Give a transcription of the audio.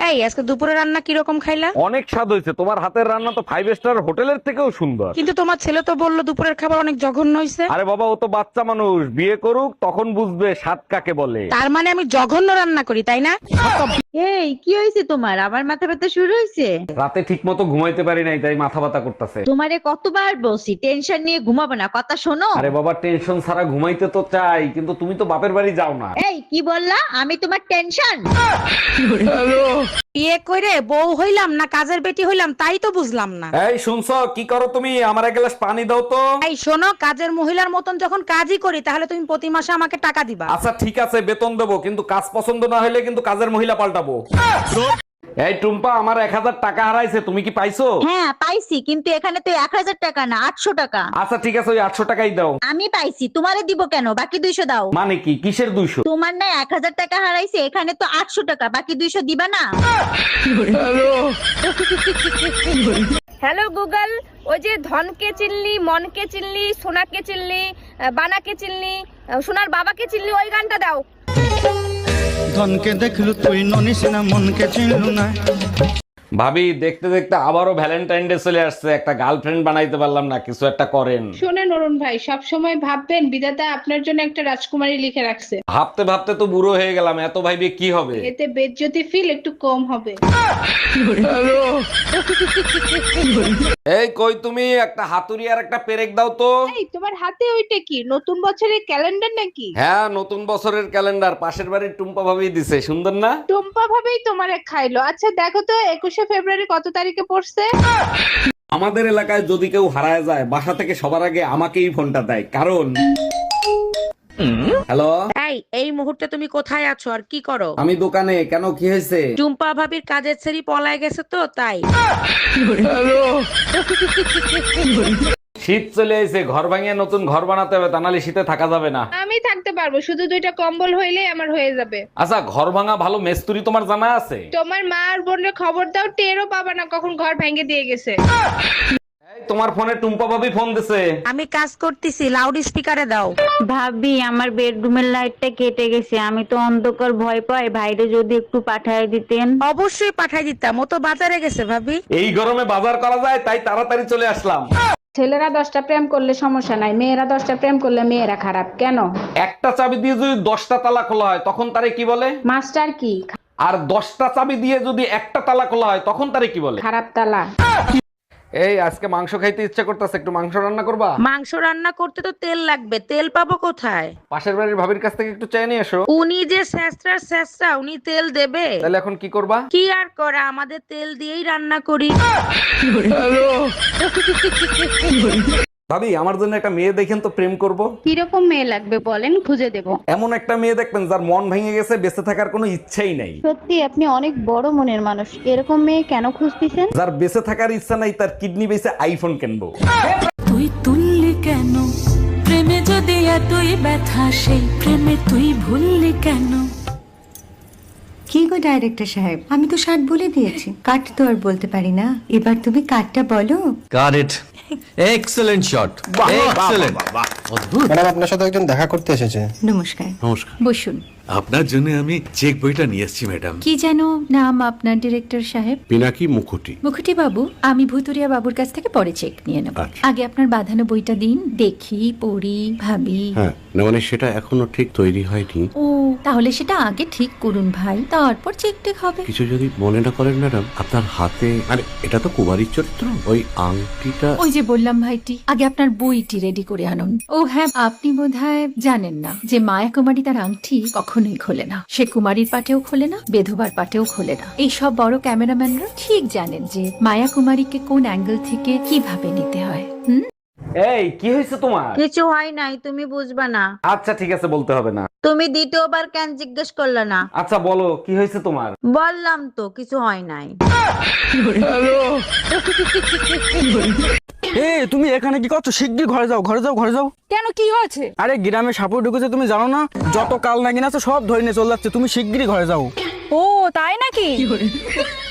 এই আজকে দুপুরে রান্না কিরকম খাইলা? অনেক স্বাদ হয়েছে, তোমার হাতের রান্না তো 5 স্টার হোটেলের থেকেও সুন্দর। কিন্তু তোমার ছেলে তো বললো দুপুরের খাবার অনেক জঘন্য হয়েছে। আরে বাবা, ও তো বাচ্চা মানুষ, বিয়ে করুক তখন বুঝবে স্বাদ কাকে বলে। তার মানে আমি জঘন্য রান্না করি, তাই না? এই কি হয়েছে তোমার? আবার মাথা ব্যথা শুরু হয়েছে? রাতে ঠিক মতো ঘুমাইতে পারি নাই, তাই মাথা ব্যথা করতেছে। তোমারে কতবার বলছি টেনশন নিয়ে ঘুমাবো না, কথা শোনো। আরে বাবা, টেনশন ছাড়া ঘুমাইতে তো চাই, কিন্তু তুমি তো বাপের বাড়ি যাও না। এই কি বললা? আমি তোমার টেনশন? বিয়ে করে বউ হইলাম না কাজের বেটি হইলাম তাই তো বুঝলাম না। এই শুনছো, কি করো তুমি? আমার এক গ্লাস পানি দাও তো। এই শোনো, কাজের মহিলার মতন যখন কাজই করি তাহলে তুমি প্রতি মাসে আমাকে টাকা দিবা। আচ্ছা ঠিক আছে, বেতন দেবো, কিন্তু কাজ পছন্দ না হলে কিন্তু কাজের মহিলা পাল্টাবো। এই টুম্পা, আমার 1000 টাকা হারাইছে, তুমি কি পাইছো? হ্যাঁ পাইছি, কিন্তু এখানে তো 1000 টাকা না 800 টাকা। আচ্ছা ঠিক আছে, ওই 800 টাকাই দাও। আমি পাইছি, তোমারে দিব কেন? বাকি 200 দাও। মানে কি, কিসের 200? তোমার না 1000 টাকা হারাইছে, এখানে তো 800 টাকা, বাকি 200 দিবা না? হ্যালো গুগল, ওই যে ধনকে চিনলি, মনকে চিনলি, সোনাকে চিনলি, বানাকে চিনলি, সোনার বাবাকে চিনলি, ওই গানটা দাও। ধনকে দেখলু তুই ননিস না, মনকে চিনলু না। ভাবি, দেখতে দেখতে আবারও ভ্যালেন্টাইন ডে চলে আসছে, একটা গার্লফ্রেন্ড বানাইতে পারলাম না, কিছু একটা করেন। শোনেন অরুণ ভাই, সব সময় ভাববেন বিধাতা আপনার জন্য একটা রাজকুমারী লিখে রাখছে। ভাবতে ভাবতে তো বুড়ো হয়ে গেলাম, এত ভাইবে কি হবে? এতে বেজ্জতি ফিল একটু কম হবে। এই কই তুমি, একটা হাতুড়ি আর একটা পেরেক দাও তো। এই তোমার হাতে ওইটা কি? নতুন বছরের ক্যালেন্ডার নাকি? হ্যাঁ, নতুন বছরের ক্যালেন্ডার, পাশের বাড়ির টুম্পা ভাবি দিছে, সুন্দর না? টুম্পা ভাবেই তোমারে খাইলো। আচ্ছা দেখো তো 21শে ফেব্রুয়ারি কত তারিখে পড়ছে? আমাদের এলাকায় যদি কেউ হারায় যায়, বাসা থেকে সবার আগে আমাকেই ফোনটা দেয়, কারণ হ্যালো, এই মুহূর্তে তুমি কোথায় আছো আর কি করো? আমি দোকানে। কেন, কি হয়েছে? টুম্পা ভাবির কাজের ছেড়ি পলায় গেছে তো তাই। শীত চলে এসে, ঘর ভাঙিয়ে নতুন ঘর বানাতে হবে, তা নাহলে শীতে থাকা যাবে না। আমি থাকতে পারবো, শুধু 2টা কম্বল হইলেই আমার হয়ে যাবে। আচ্ছা, ঘর ভাঙা ভালো মিস্ত্রি তোমার জানা আছে? তোমার মা আর বোনের খবর দাও, টেরও পাবা না কখন ঘর ভেঙে দিয়ে গেছে। এই, তোমার ফোনে টুম্পা ভাবি ফোন দিছে। আমি কাজ করতেছি, লাউড স্পিকারে দাও। ভাবি, আমার বেডরুমের লাইটটা কেটে গেছে, আমি তো অন্ধকার ভয় পাই, ভাইরে যদি একটু পাঠায় দিতেন। অবশ্যই পাঠাই দিতাম, ও তো বাজারে গেছে ভাবি। এই গরমে বাজার করা যায়, তাই তাড়াতাড়ি চলে আসলাম। ছেলেরা 10টা প্রেম করলে সমস্যা নাই, মেয়েরা 10টা প্রেম করলে মেয়েরা খারাপ কেন? একটা চাবি দিয়ে যদি 10টা তালা খোলা হয়, তখন তারে কি বলে? মাস্টার কি? আর 10টা চাবি দিয়ে যদি একটা তালা খোলা হয়, তখন তারে কি বলে? খারাপ তালা। এই আজকে মাংস খাইতে ইচ্ছা করতেছে, একটু মাংস রান্না করবা? মাংস রান্না করতে তো তেল লাগবে, তেল পাবো কোথায়? পাশের বাড়ির ভাবির কাছ থেকে একটু চেয়ে নিয়ে এসো। উনি যে স্যাঁচরা উনি তেল দেবে? তাহলে এখন কি করবা? কি আর করে, আমাদের তেল দিয়েই রান্না করি। ভাবি, আমার জন্য একটা মেয়ে দেখেন তো, প্রেম করব। কিরকম মেয়ে লাগবে বলেন, খুঁজে দেব। এমন একটা মেয়ে দেখবেন যার মন ভেঙে গেছে, বেঁচে থাকার কোনো ইচ্ছাই নাই। সত্যি আপনি অনেক বড় মনের মানুষ, এরকম মেয়ে কেন খুঁজতেছেন? যার বেঁচে থাকার ইচ্ছা নাই, তার কিডনি বেঁচে আইফোন কিনবো। তুই তুললি কেন প্রেমে, যদি এতই ব্যথা, সেই প্রেমে তুই ভুললি কেন? কি গো ডাইরেক্টর সাহেব, আমি তো 60 বলে দিয়েছি, কাট তো আর বলতে পারি না, এবার তুমি কাটটা বলো। Got it, excellent shot, excellent. অদ্ভুত। ম্যাডাম, আপনার সাথে একজন দেখা করতে এসেছে। নমস্কার। নমস্কার। বসুন। আপনার জন্য আমি চেক বইটা নিয়ে এসেছি ম্যাডাম। কি যেন নাম আপনার ডিরেক্টর সাহেব? পিনাকি মুখোটি। মুখুটি বাবু, আমি ভুতুরিয়া বাবুর কাছ থেকে পরে চেক নিয়ে নেব। আচ্ছা। আগে আপনার বাঁধানো বইটা দিন, দেখি, পড়ি, ভাবি। হ্যাঁ, না মানে সেটা এখনো ঠিক তৈরি হয়নি। ও, তাহলে সেটা আগে ঠিক করুন ভাই, তারপর চেক টেক হবে। কিছু যদি মনে না করেন ম্যাডাম, আপনার হাতে, আরে এটা তো কুমারীর চরিত্র, ওই আংটিটা। ওই যে বললাম ভাইটি, আগে আপনার বইটি রেডি করে আনুন। ও হ্যাঁ, আপনি বোধহয় জানেন না যে মায়া কুমারী তার আংটি কখনোই খোলে না, সে কুমারীর পাটেও খোলে না, বেধবার পাটেও খোলে না। এই সব বড় ক্যামেরাম্যানরা ঠিক জানেন যে মায়া কুমারীকে কোন অ্যাঙ্গেল থেকে কিভাবে নিতে হয়। এই কি হয়েছে তোমার? কিছু হয় নাই, তুমি বুঝবা না। আচ্ছা ঠিক আছে, বলতে হবে না। তুমি দ্বিতীয়বার কেন জিজ্ঞেস করলে না? আচ্ছা বলো, কি হয়েছে তোমার? বললাম তো কিছু হয় নাই। তুমি এখানে কি করছো? শিগগির ঘরে যাও, ঘরে যাও, ঘরে যাও। কেন, কি হয়েছে? আরে গ্রামে সাপুর ঢুকেছে, তুমি জানো না? যত কাল নাগিন আছে সব ধরে নিয়ে চলে যাচ্ছে, তুমি শিগগিরই ঘরে যাও। ও তাই নাকি?